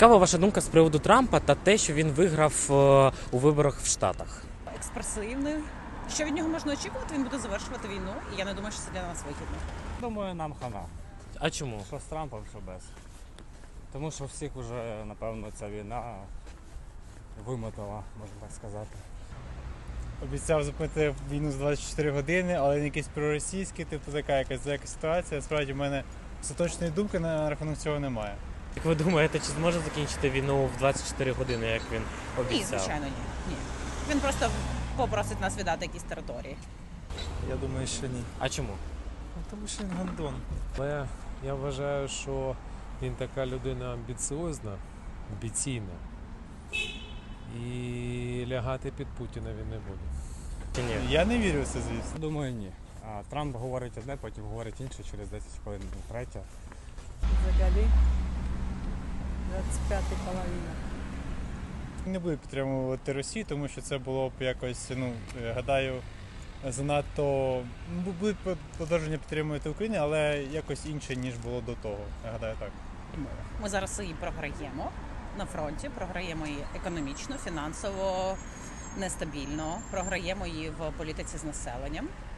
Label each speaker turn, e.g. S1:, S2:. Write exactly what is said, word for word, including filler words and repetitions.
S1: Яка ваша думка з приводу Трампа та те, що він виграв е, у виборах в Штатах?
S2: Експресивний. Що від нього можна очікувати? Він буде завершувати війну, і я не думаю, що це для нас вигідно.
S3: Думаю, нам хана.
S1: А чому?
S3: Що з Трампом, що без. Тому що всіх вже, напевно, ця війна вимотала, можна так сказати.
S4: Обіцяв зупинити війну за двадцять чотири години, але не якийсь проросійський, типу така якась така ситуація. Справді в мене остаточної думки на рахунок цього немає.
S1: Як ви думаєте, чи зможе закінчити війну в двадцять чотири години, як він обіцяв?
S2: Ні, звичайно, ні. ні. Він просто попросить нас віддати якісь території.
S5: Я думаю, що ні.
S1: А чому?
S5: Ну, тому що він гандон.
S6: Але я вважаю, що він така людина амбіціозна, амбіційна. І лягати під Путіна він не буде.
S1: Чи ні?
S4: Я не вірю в це, звісно.
S3: Думаю, ні. А Трамп говорить одне, потім говорить інше, через десять хвилин третє.
S7: Взагалі двадцять п'ята половина.
S4: Не буду підтримувати Росію, тому що це було б якось, ну, гадаю, занадто. Ну, будуть подовження підтримувати Україну, але якось інше, ніж було до того. Я гадаю так.
S2: Ми зараз її програємо на фронті, програємо її економічно, фінансово, нестабільно, програємо її в політиці з населенням.